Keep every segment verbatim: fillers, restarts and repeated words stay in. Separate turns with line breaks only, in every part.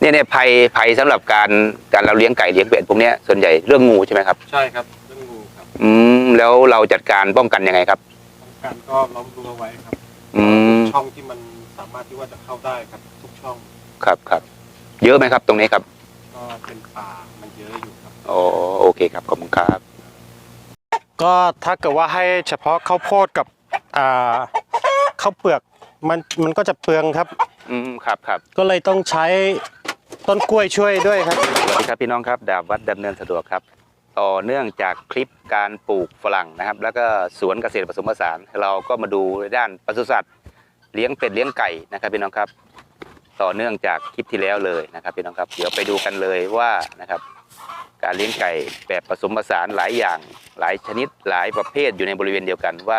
เนี่ยเนี่ยภัยภัยสำหรับการการเราเลี้ยงไก่เลี้ยงเป็ดพวกนี้ส่วนใหญ่เรื่องงูใช่ไหมครับ
ใช่ครับเรื่องงูครับ
อืมแล้วเราจัดการป้องกันยังไงครับ
ป้องกันก็ล้อมรั้วไว้ครับ
อืม
ช่องที่มันสามารถที่ว่าจะเข้าได้ครับทุกช่อง
ครับครับเยอะไหมครับตรงนี้ครับ
ก็เป็นป่ามันเยอะอยู่ครับ
โอ้โอเคครับขอบคุณครับ
ก็ถ้าเกิดว่าให้เฉพาะข้าวโพดกับอ่าข้าวเปลือกมันมันก็จะเปลืองครับ
อืมครับครับ
ก็เลยต้องใช้ต้นกล้วยช่วยด้วยครับ
สวัสดีครับพี่น้องครับดาบวัดดำเนินสะดวกครับต่อเนื่องจากคลิปการปลูกฝรั่งนะครับแล้วก็สวนเกษตรผสมผสานเราก็มาดูด้านปศุสัตว์เลี้ยงเป็ดเลี้ยงไก่นะครับพี่น้องครับต่อเนื่องจากคลิปที่แล้วเลยนะครับพี่น้องครับเดี๋ยวไปดูกันเลยว่านะครับการเลี้ยงไก่แบบผสมผสานหลายอย่างหลายชนิดหลายประเภทอยู่ในบริเวณเดียวกันว่า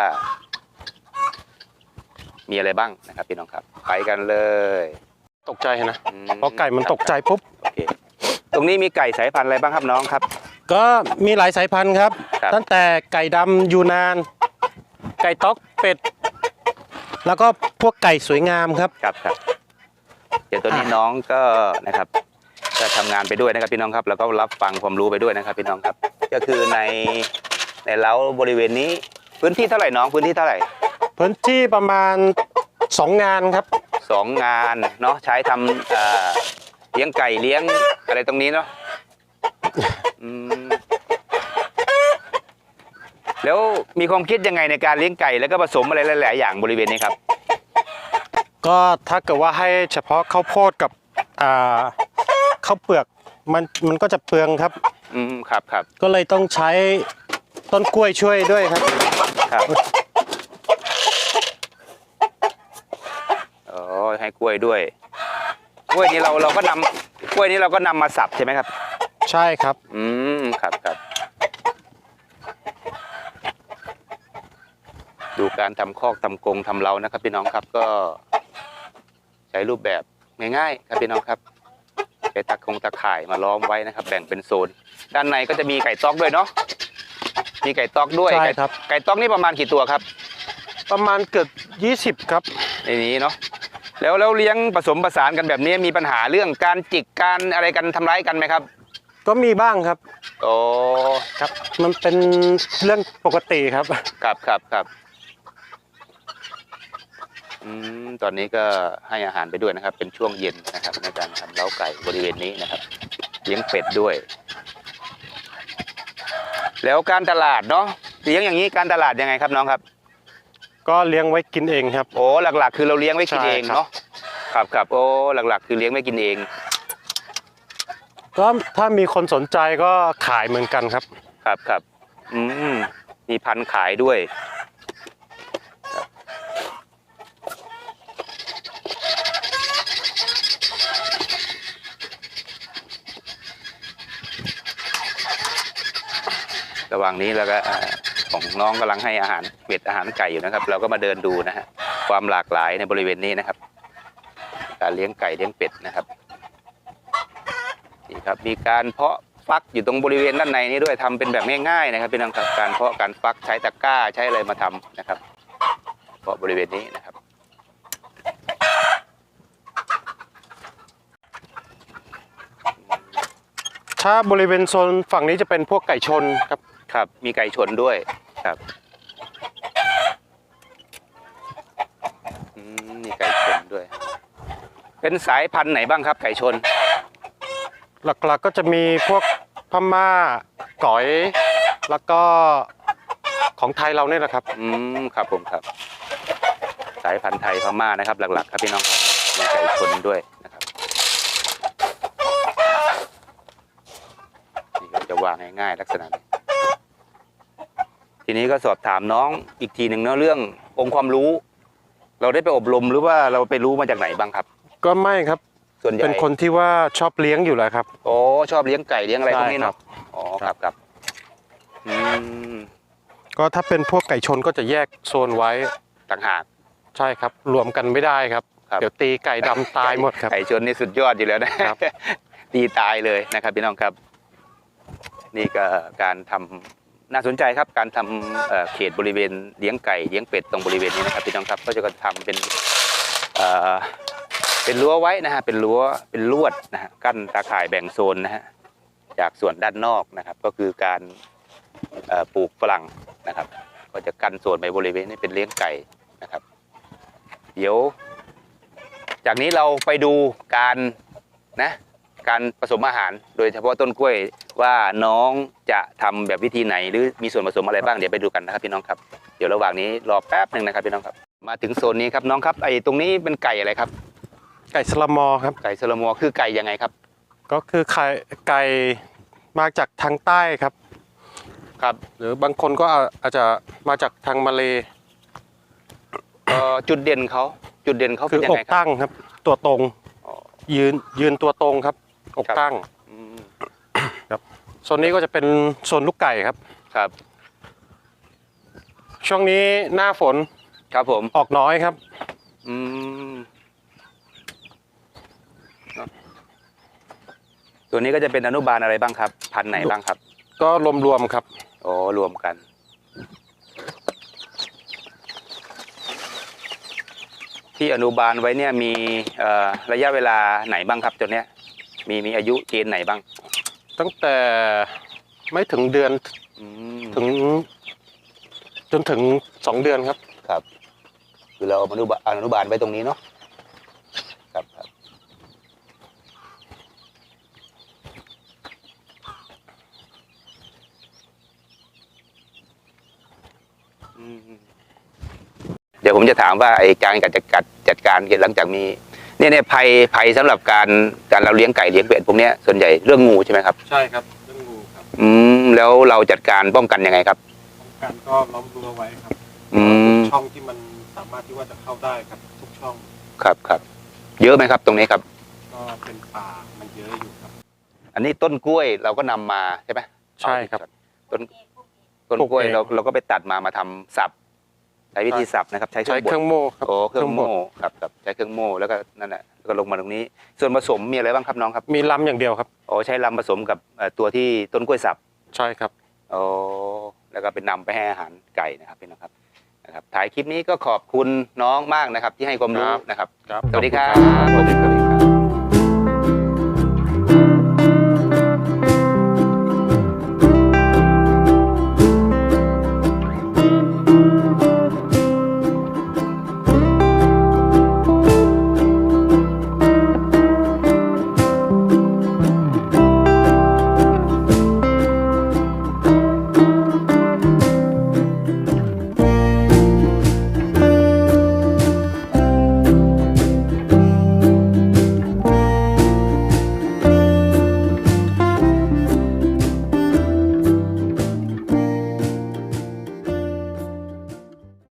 มีอะไรบ้างนะครับพี่น้องครับไปกันเลย
ตกใจนะเพราะไก่มันตกใจปุ๊บ
โอเคตรงนี้มีไก่สายพันธุ์อะไรบ้างครับน้องครับ
ก็มีหลายสายพันธุ์ครับตั้งแต่ไก่ดำยูนานไก่ต๊อกเป็ดแล้วก็พวกไก่สวยงามครับ
ครับครับเดี๋ยวตัวนี้น้องก็นะครับจะทำงานไปด้วยนะครับพี่น้องครับแล้วก็รับฟังความรู้ไปด้วยนะครับพี่น้องครับก็คือในในเล้าบริเวณนี้พื้นที่เท่าไหร่น้องพื้นที่เท่าไหร่
พื้นที่ประมาณสองงานครับ
สองงานเนาะใช้ทำเลี้ยงไก่เลี้ยงอะไรตรงนี้เนาะแล้วมีความคิดยังไงในการเลี้ยงไก่แล้วก็ผสมอะไรหลายๆอย่างบริเวณนี้ครับ
ก็ถ้าเกิดว่าให้เฉพาะข้าวโพดกับข้าวเปลือกมันมันก็จะเปลืองครับ
อืมครับครับ
ก็เลยต้องใช้ต้นกล้วยช่วยด้วยครับ
ครับโอ้ให้กล้วยด้วยกล้วยนี้เราเราก็นำกล้วยนี้เราก็นำมาสับใช่ไหมครับ
ใช่ครับ
อืมครับครับดูการทำคอกทำกรงทำเล้านะครับพี่น้องครับก็ใช้รูปแบบง่ายๆครับพี่น้องครับใช้ตะคงตะข่ายมาล้อมไว้นะครับแบ่งเป็นโซนด้านในก็จะมีไก่ต๊อกด้วยเนาะมีไก่ต๊อกด้วย
ใช่ครับ
ไก่ต๊อกนี่ประมาณกี่ตัวครับ
ประมาณเกือบยี่สิบครับ
ในนี้เนาะแล้วแล้วเลี้ยงผสมผสานกันแบบนี้มีปัญหาเรื่องการจิกการอะไรกันทำร้ายกันไหมครับ
ก็มีบ้างครับ
โอ้
ครับมันเป็นเรื่องปกติครับ
ครับครับครับอืมตอนนี้ก็ให้อาหารไปด้วยนะครับเป็นช่วงเย็นนะครับในการทำเล้าไก่บริเวณนี้นะครับเลี้ยงเป็ดด้วยแล้วการตลาดเนาะเลี้ยงอย่างนี้การตลาดยังไงครับน้องครับ
ก็เลี้ยงไว้กินเองครับ
โอ้หลักๆคือเราเลี้ยงไว้กินเองเนาะครับครับโอ้หลักๆคือเลี้ยงไว้กินเอง
ก็ถ้ามีคนสนใจก็ขายเหมือนกันครับ
ครับครับอืมมีพันธุ์ขายด้วยระหว่างนี้แล้วก็ของน้องกำลังให้อาหารเป็ดอาหารไก่อยู่นะครับเราก็มาเดินดูนะฮะความหลากหลายในบริเวณนี้นะครับการเลี้ยงไก่เลี้ยงเป็ดนะครับนี่ครับมีการเพาะฟักอยู่ตรงบริเวณด้านในนี้ด้วยทำเป็นแบบง่ายๆนะครับพี่น้องครับการเพาะการฟักใช้ตะกร้าใช้อะไรมาทำนะครับเพาะบริเวณนี้นะครับ
ถ้าบริเวณโซนฝั่งนี้จะเป็นพวกไก่ชนครับ
ครับมีไก่ชนด้วยครับมีไก่ชนด้วยเป็นสายพันธุ์ไหนบ้างครับไก่ชน
หลักๆก็จะมีพวกพม่าก๋อยแล้วก็ของไทยเราเนี่ยแหละครับ
อืมครับผมครับสายพันธุ์ไทยพม่านะครับหลักๆครับพี่น้องครับมีไก่ชนด้วยนะครับนี่ก็จะวางง่ายๆลักษณะนี้ทีนี้ก็สอบถามน้องอีกทีหนึ่งเนาะเรื่ององค์ความรู้เราได้ไปอบรมหรือว่าเราไปรู้มาจากไหนบ้างครับ
ก็ไม่ครับ
ส่วนใหญ่
เป็นคนที่ว่าชอบเลี้ยงอยู่แล้วครับ
โอ้ชอบเลี้ยงไก่เลี้ยงอะไรพวกนี้เนาะอ๋อครับครับอืม
ก็ถ้าเป็นพวกไก่ชนก็จะแยกโซนไว้
ต่างหาก
ใช่ครับรวมกันไม่ได้ครับเดี๋ยวตีไก่ดำตายหมดครับ
ไก่ชนนี่สุดยอดอยู่แล้วนะครับตีตายเลยนะครับพี่น้องครับนี่ก็การทำน่าสนใจครับการทำเขตบริเวณเลี้ยงไก่เลี้ยงเป็ดตรงบริเวณนี้นะครับพี่น้องครับก็จะทำเป็นเป็นรั้วไว้นะฮะเป็นรั้วเป็นลวดนะฮะกั้นตาข่ายแบ่งโซนนะฮะจากส่วนด้านนอกนะครับ ก็คือการเอ่อปลูกฝรั่งนะครับ ก็จะกั้นโซนไปบริเวณนี้เป็นเลี้ยงไก่นะครับ เดี๋ยว จากนี้เราไปดูการนะการผสมอาหาร โดยเฉพาะต้นกล้วยว่าน้องจะทำแบบวิธีไหนหรือมีส่วนผสมอะไรบ้างเดี๋ยวไปดูกันนะครับพี่น้องครับเดี๋ยวระหว่างนี้รอแป๊บหนึ่งนะครับพี่น้องครับมาถึงโซนนี้ครับน้องครับไอ้ตรงนี้เป็นไก่อะไรครับ
ไก่สลามอครับ
ไก่สลามอคือไก่ยังไงครับ
ก็คือไข่ไก่มาจากทางใต้ครับ
ครับ
หรือบางคนก็อาจจะมาจากทางมาเล
เอ่อจุดเด่นเขาจุดเด่นเขา
คื
เป็น
อ
ยัง
อก
ไงครับ
ตั้งครับ ตัวตรง
อ๋อ
ยืนยืนตัวตรงครับ อก
ครับ
ตั้ง
อืม
ครับโซนนี้ก็จะเป็นโซนลูกไก่ครับ
ครับ
ช่วงนี้หน้าฝน
ครับผม
ออกน้อยครับ
อืมตัวนี้ก็จะเป็นอนุบาลอะไรบ้างครับ พันธุ์ไหนบ้างครับ
ก็รวมๆครับ
โอ้รวมกัน ที่อนุบาลไว้เนี่ยมีเอ่อระยะเวลาไหนบ้างครับตัวเนี้ยมีมีอายุเกณฑ์ไหนบ้าง
ตั้งแต่ไม่ถึงเดือน
อืม
ถึง จนถึงสองเดือนครับ
ครับ คือเราอนุบาลอนุบาลไว้ตรงนี้เนาะครับครับอืมเดี๋ยวผมจะถามว่าไอ้การจัดจัดจัดการหลังจากมีเนี่ยเนี่ยภัยภัยสำหรับการการเราเลี้ยงไก่เลี้ยงเป็ดพวกเนี้ยส่วนใหญ่เรื่องงูใช่ไหมครับ
ใช่ครับเรื่องงูครับ
อืมแล้วเราจัดการป้องกันยังไงครับ
ป้องกันก็ล้อมรั้วไว้ครับ
อืม
ช่องที่มันสามารถที่ว่าจะเข้าได้ครับทุกช่อง
ครับครับเยอะไหมครับตรงนี้ครับ
ก็เป็นป่ามันเยอะอยู่ครับ
อันนี้ต้นกล้วยเราก็นำมาใช่ไหม
ใช่ครับ
ต้นต้นกล้วย
ปลูกเอง
เราเราก็ไปตัดมามาทำสับใช้วิธีสับนะครับ ใช้เค
ใช้
รื่องบ
เค
ด
รื่องโม่ครับ
โอ้เครื่อง
บ
โม่
ด
ครับครับใช้เครื่องโม่แล้วก็นั่นแหละแล้วก็ลงมาตรงนี้ ส่วนผสมมีอะไรบ้างครับน้องครับ
มีลำอย่างเดียวครับ
โอ้ใช้ลำผสมกับเอ่อตัวที่ต้นกล้วยสับ
ใช่ครับ
โอ้แล้วก็เป็นนำไปให้อาหารไก่นะครับพี่น้องครับนะครับถ่ายคลิปนี้ก็ขอบคุณน้องมากนะครับ ที่ให้ความรู้นะครับ
ครับ
สวัสดีครับ
สวัสดีครับ